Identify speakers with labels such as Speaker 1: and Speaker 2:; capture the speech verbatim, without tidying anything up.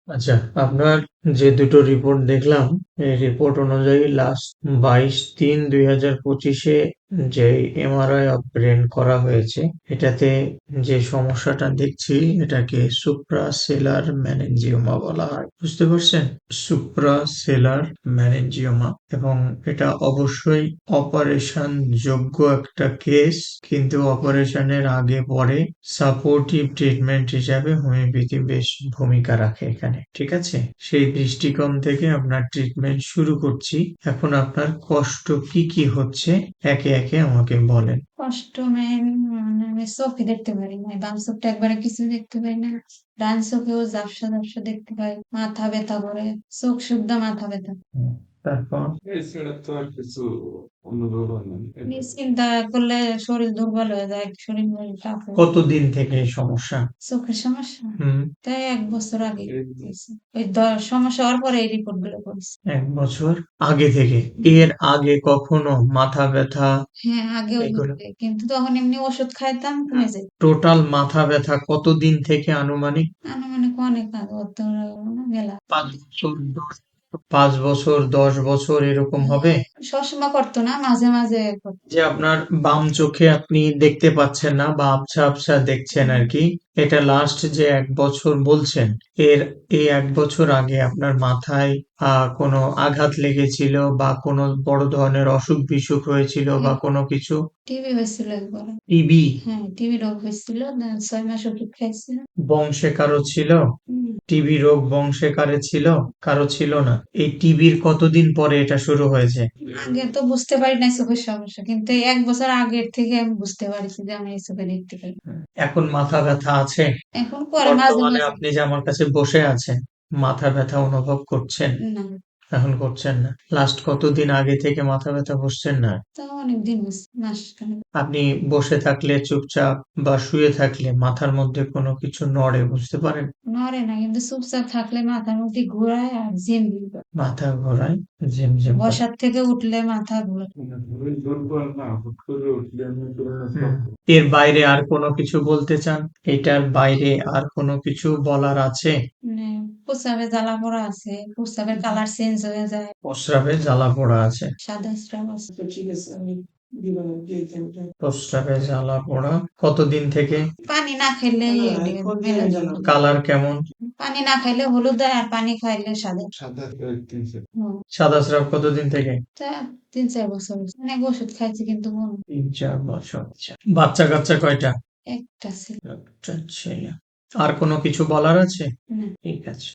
Speaker 1: আচ্ছা, আপনার যে দুটো রিপোর্ট দেখলাম, এই রিপোর্ট অনুযায়ী লাস্ট বাইশ তিন দুই হাজার পঁচিশে যে এমআরআই অফ ব্রেন করা হয়েছে, এটাতে যে সমস্যাটা দেখছি এটাকে সুপ্রাসেলার ম্যানেনজিওমা বলা হয়। বুঝতে পারছেন? সুপ্রাসেলার ম্যানেনজিওমা, এবং এটা অবশ্যই অপারেশন যোগ্য একটা কেস, কিন্তু অপারেশনের আগে পরে সাপোর্টিভ ট্রিটমেন্ট হিসাবে হোমিওপ্যাথি বেশ ভূমিকা রাখে এখানে। ঠিক আছে? সেই দৃষ্টিকোণ থেকে আপনার ট্রিটমেন্ট শুরু করছি। এখন আপনার কষ্ট কি কি হচ্ছে একে একে আমাকে বলেন।
Speaker 2: কষ্ট মেন মানে আমি চোখে দেখতে পারি না, বাম চোখটা একবারে কিছু দেখতে পাই না, ডান চোখেও ঝাপসা ঝাপসা দেখতে পাই, মাথা ব্যথা করে, চোখ শুদ্ধ মাথা ব্যথা।
Speaker 1: হুম, তারপর
Speaker 3: এছাড়া তো আর কিছু অনুভব হয় না।
Speaker 2: নিজ চিন্তা করলে শরীর দুর্বল হয়ে যায়, শরীর মন খারাপ হয়ে যায়।
Speaker 1: কতদিন থেকে এই সমস্যা?
Speaker 2: চোখের সমস্যা
Speaker 1: হুম।
Speaker 2: তাই এক বছর আগে
Speaker 3: এই
Speaker 2: হয়েছে। ওই দ- সমস্যা হওয়ার পরে এই রিপোর্ট গুলো করেছে।
Speaker 1: এক বছর আগে থেকে? এর আগে কখনো মাথা ব্যথা
Speaker 2: হ্যাঁ, আগেও
Speaker 1: এগুলো?
Speaker 2: হচ্ছে, কিন্তু তখন এমনি ওষুধ খাইতাম কমে যেত।
Speaker 1: টোটাল মাথা ব্যথা কতদিন থেকে আনুমানিক?
Speaker 2: আনুমানিক অনেক আগে, অত মেলা।
Speaker 1: পাঁচ বছর, দশ পাঁচ বছর, দশ বছর এরকম হবে?
Speaker 2: সবসময় করতো না, মাঝে মাঝে করতো।
Speaker 1: যে আপনার বাম চোখে আপনি দেখতে পাচ্ছেন না বা আবছা আবছা দেখছেন আর কি, এটা লাস্ট যে এক বছর বলছেন, এর এই এক বছর আগে আপনার মাথায় আহ কোনো আঘাত লেগেছিল বা কোনো বড় ধরনের অসুখ বিসুখ হয়েছিল বা কোনো কিছু?
Speaker 2: টিবি হয়েছিল একবার।
Speaker 1: টিবি?
Speaker 2: হ্যাঁ, টিবি রোগ হয়েছিল, না- ছয় মাস ওষুধ খাইছিল।
Speaker 1: বংশে কারো ছিল?
Speaker 2: হুম,
Speaker 1: টিবি রোগ বংশে কারে ছিল? কারো ছিল না? এই টিবির কতদিন পরে এটা শুরু হয়েছে?
Speaker 2: আগে তো বুঝতে পারি নাই চোখের সমস্যা, কিন্তু এই এক বছর আগের থেকে আমি বুঝতে পারছি যে আমি এই চোখে দেখতে পাই।
Speaker 1: এখন মাথা ব্যথা আছে?
Speaker 2: এখন পরে মাঝে
Speaker 1: বর্তমানে
Speaker 2: মাঝে।
Speaker 1: আপনি যে আমার কাছে বসে আছেন, মাথা ব্যথা অনুভব করছেন?
Speaker 2: না,
Speaker 1: এখন করছেন না? লাস্ট কতদিন আগে থেকে মাথা ব্যথা বসছেন না?
Speaker 2: তো অনেক দিন হচ্ছে, মাস খানেক।
Speaker 1: আপনি বসে থাকলে চুপচাপ বা শুয়ে থাকলে মাথার মধ্যে কোনো কিছু নড়ে, বুঝতে পারেন?
Speaker 2: নড়ে না, কিন্তু চুপচাপ থাকলে মাথার মধ্যে ঘোরায় আর জিম করে।
Speaker 1: মাথা ঘোরায়, ঝিমঝিম করে।
Speaker 2: বসার থেকে উঠলে মাথা ঘোরায়।
Speaker 3: মানে ধরে দুর্বল না, হুট করে উঠলে আমি কোনো
Speaker 1: হুম।
Speaker 3: সব
Speaker 1: এর বাইরে আর কোনো কিছু বলতে চান? এটার বাইরে আর কোনো কিছু বলার আছে?
Speaker 2: মানে প্রস্রাবে জ্বালা পোড়া আছে, প্রস্রাবের কালার চেঞ্জ হয়ে যায়,
Speaker 1: প্রস্রাবে জ্বালা পোড়া আছে?
Speaker 2: সাদা স্রাব আছে।
Speaker 3: তো ঠিক আছে, আমি দিবানা দিয়ে দেবো।
Speaker 1: প্রস্রাবে জ্বালা পোড়া কতদিন থেকে?
Speaker 2: পানি না খেলে
Speaker 3: না,
Speaker 2: এটি
Speaker 3: এখন দিয়ে
Speaker 2: মেলা
Speaker 3: আমি
Speaker 2: যায়।
Speaker 3: জানাবো।
Speaker 1: কালার কেমন?
Speaker 2: পানি না খাইলে হলুদ হয়, আর পানি খাইলে সাদা।
Speaker 3: সাদা কয়েকদিন
Speaker 2: হুম,
Speaker 1: সাদা স্রাব কতদিন থেকে?
Speaker 2: তা তিন চার বছর হয়েছে। অনেক ওষুধ খাইছি কিন্তু মন
Speaker 1: তিন চার বছর। আচ্ছা। বাচ্চা কাচ্চা কয়টা?
Speaker 2: একটা ছিল
Speaker 1: একটা ছেলে। আর কোনো কিছু বলার আছে?
Speaker 2: না।
Speaker 1: ঠিক আছে।